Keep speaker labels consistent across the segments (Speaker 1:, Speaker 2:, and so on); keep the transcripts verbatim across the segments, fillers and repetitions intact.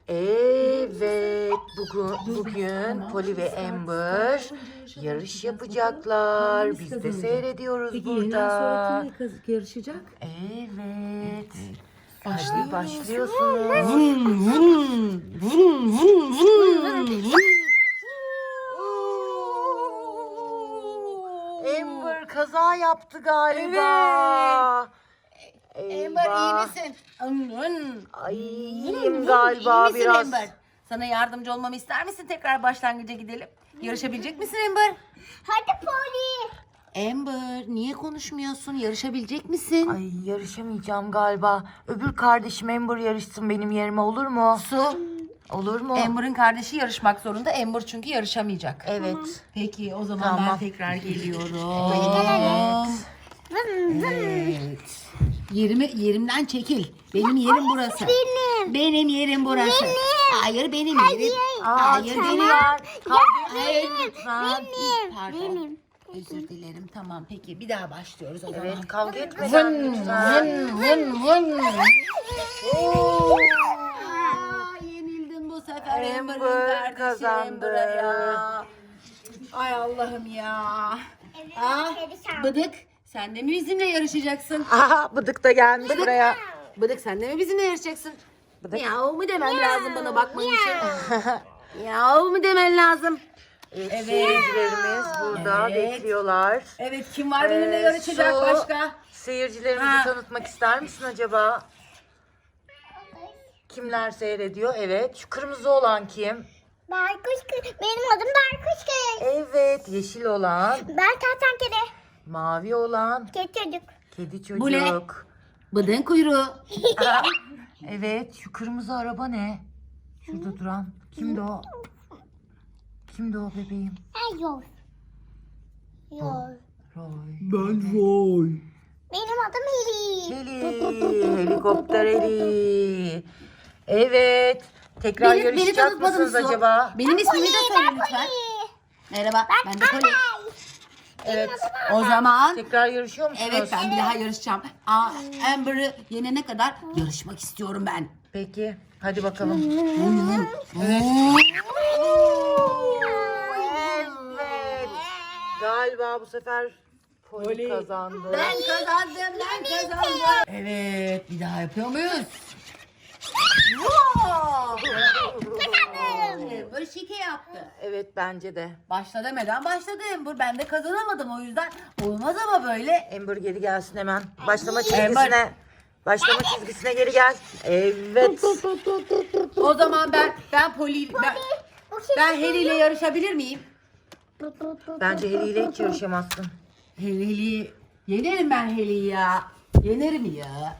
Speaker 1: Evet, bugün, bugün Polly ve Amber yarış yapacaklar. Biz de seyrediyoruz
Speaker 2: Peki
Speaker 1: burada.
Speaker 2: yeniden sonra kimle kaz- yarışacak?
Speaker 1: Evet.
Speaker 2: Başlıyor.
Speaker 1: Hadi başlıyorsunuz.
Speaker 2: Vın vın vın vın vın.
Speaker 1: Amber kaza yaptı galiba.
Speaker 2: Amber iyi
Speaker 1: Eyvah.
Speaker 2: misin? Vın.
Speaker 1: Ay,
Speaker 2: İyi
Speaker 1: iyiyim galiba
Speaker 2: misin
Speaker 1: biraz.
Speaker 2: Amber? Sana yardımcı olmamı ister misin? Tekrar başlangıca gidelim. Yarışabilecek misin Amber?
Speaker 3: Hadi Polly.
Speaker 2: Amber niye konuşmuyorsun? Yarışabilecek misin?
Speaker 1: Ay, yarışamayacağım galiba. Öbür kardeşim Amber yarışsın benim yerime, olur mu?
Speaker 2: Su.
Speaker 1: Olur mu?
Speaker 2: Amber'ın kardeşi yarışmak zorunda. Amber çünkü yarışamayacak.
Speaker 1: Evet.
Speaker 2: Peki o zaman
Speaker 1: Tamam.
Speaker 2: ben tekrar geliyorum. Evet. Yerimi, yerimden çekil. Benim yerim burası.
Speaker 3: benim.
Speaker 2: Benim yerim burası.
Speaker 3: Benim.
Speaker 2: Hayır benim yerim.
Speaker 1: Aa,
Speaker 2: Hayır
Speaker 1: tamam.
Speaker 2: benim.
Speaker 1: Kavga
Speaker 2: Hayır
Speaker 1: etmeyin lütfen.
Speaker 3: Benim.
Speaker 2: Pardon.
Speaker 3: Benim.
Speaker 2: Özür dilerim. Tamam peki bir daha başlıyoruz o zaman.
Speaker 1: Evet, kavga etmeden lütfen.
Speaker 2: Vın vın. Aa, yenildin bu sefer Amber'ın
Speaker 1: Amber
Speaker 2: kardeşi
Speaker 1: kazandı.
Speaker 2: Amber'a ya. Ay Allah'ım ya. Ah, Bıdık sen de mi bizimle yarışacaksın?
Speaker 1: Aha, Bıdık da gelmiş buraya.
Speaker 2: Bıdık sen de mi bizimle yarışacaksın? Yav mu demen lazım bana bakman için? Yav mu demen lazım?
Speaker 1: Evet,
Speaker 2: Evet.
Speaker 1: seyircilerimiz burada
Speaker 2: Evet.
Speaker 1: bekliyorlar.
Speaker 2: Evet kim var benimle
Speaker 1: Ee,
Speaker 2: yarışacak
Speaker 1: Su,
Speaker 2: başka?
Speaker 1: Seyircilerimizi
Speaker 2: Ha.
Speaker 1: tanıtmak ister misin acaba? Kimler seyrediyor? Evet. Şu kırmızı olan kim?
Speaker 3: Baykuş kız. Benim adım Baykuş kız.
Speaker 1: Evet. Yeşil olan.
Speaker 3: Ben kertenkele.
Speaker 1: Mavi olan.
Speaker 3: Kedi çocuk.
Speaker 1: Kedi çocuk.
Speaker 2: Bu ne? Bıdığın kuyruğu.
Speaker 1: Aa, evet. Şu kırmızı araba ne? Şurada duran. Kimdi o? Kimdi o bebeğim?
Speaker 3: Ha yol. Yol.
Speaker 1: Roy.
Speaker 2: Ben Roy.
Speaker 3: Benim adım Heli.
Speaker 1: Heli. Helikopter Heli. Evet. Tekrar
Speaker 2: Beni, beni
Speaker 1: yarışacak
Speaker 2: tanıtmadın
Speaker 1: mısınız
Speaker 2: Su.
Speaker 1: acaba?
Speaker 2: Benim ismimi de söyle lütfen.
Speaker 3: Polly.
Speaker 2: Merhaba ben de Polly.
Speaker 1: Evet.
Speaker 2: O zaman
Speaker 1: Tekrar yarışıyor musunuz?
Speaker 2: evet ben bir daha yarışacağım. Aa, Amber'ı yenene kadar yarışmak istiyorum ben.
Speaker 1: Peki. Hadi bakalım.
Speaker 2: Evet.
Speaker 1: Evet. Galiba bu sefer Polly kazandı.
Speaker 2: Ben kazandım, ben kazandım. Evet, bir daha yapıyor muyuz? Amber şike yaptı.
Speaker 1: Evet, bence de.
Speaker 2: Başla demeden başladı Amber. Ben de kazanamadım o yüzden. Olmaz ama böyle.
Speaker 1: Amber geri gelsin hemen. Başlama çizgisine. Başlama çizgisine geri gel. Evet.
Speaker 2: O zaman ben ben Poli ben, ben Heli ile yarışabilir miyim?
Speaker 1: Bence Heli ile hiç yarışamazsın.
Speaker 2: Heli, Heli. Yenerim ben Heli'yi ya. Yenerim ya.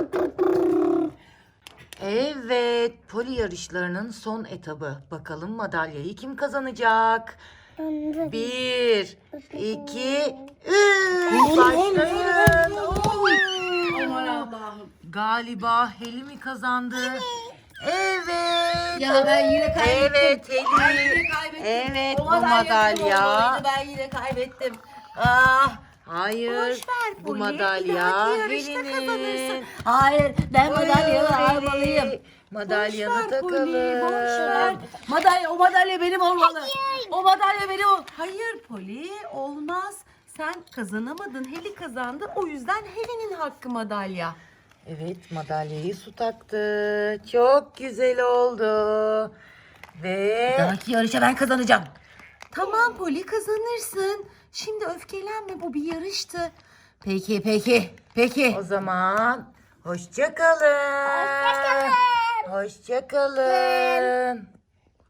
Speaker 1: Evet. Poli yarışlarının son etabı. Bakalım madalyayı kim kazanacak? Bir, iki, üç. Başlayın.
Speaker 2: Aman Allah'ım.
Speaker 1: Galiba Heli mi kazandı? Evet.
Speaker 2: Ya ben yine kaybettim.
Speaker 1: Evet
Speaker 2: Ben
Speaker 1: Heli.
Speaker 2: yine kaybettim.
Speaker 1: Evet
Speaker 2: O
Speaker 1: bu
Speaker 2: madalya benim
Speaker 1: madalya.
Speaker 2: olmalıydı, ben yine kaybettim. Ah.
Speaker 1: Hayır.
Speaker 2: Boş ver
Speaker 1: Bu
Speaker 2: Poli.
Speaker 1: madalya
Speaker 2: Bir dahaki yarışta
Speaker 1: Heli'nin.
Speaker 2: kazanırsın. Hayır ben madalyamı
Speaker 1: Buyur
Speaker 2: almalıyım.
Speaker 1: Heli. Madalyanı
Speaker 2: Boş ver Poli, boş ver.
Speaker 1: takalım.
Speaker 2: Madalya, o madalya benim olmalı. O madalya benim ol. Hayır Poli olmaz. Sen kazanamadın. Heli kazandı. O yüzden Heli'nin hakkı madalya.
Speaker 1: Evet, madalyayı su taktı. Çok güzel oldu. Ve
Speaker 2: Dahaki yarışa ben kazanacağım. Tamam Poli kazanırsın. Şimdi öfkelenme, bu bir yarıştı. Peki peki peki.
Speaker 1: o zaman hoşça kalın.
Speaker 3: Hoşça kalın.
Speaker 1: Hoşça kalın.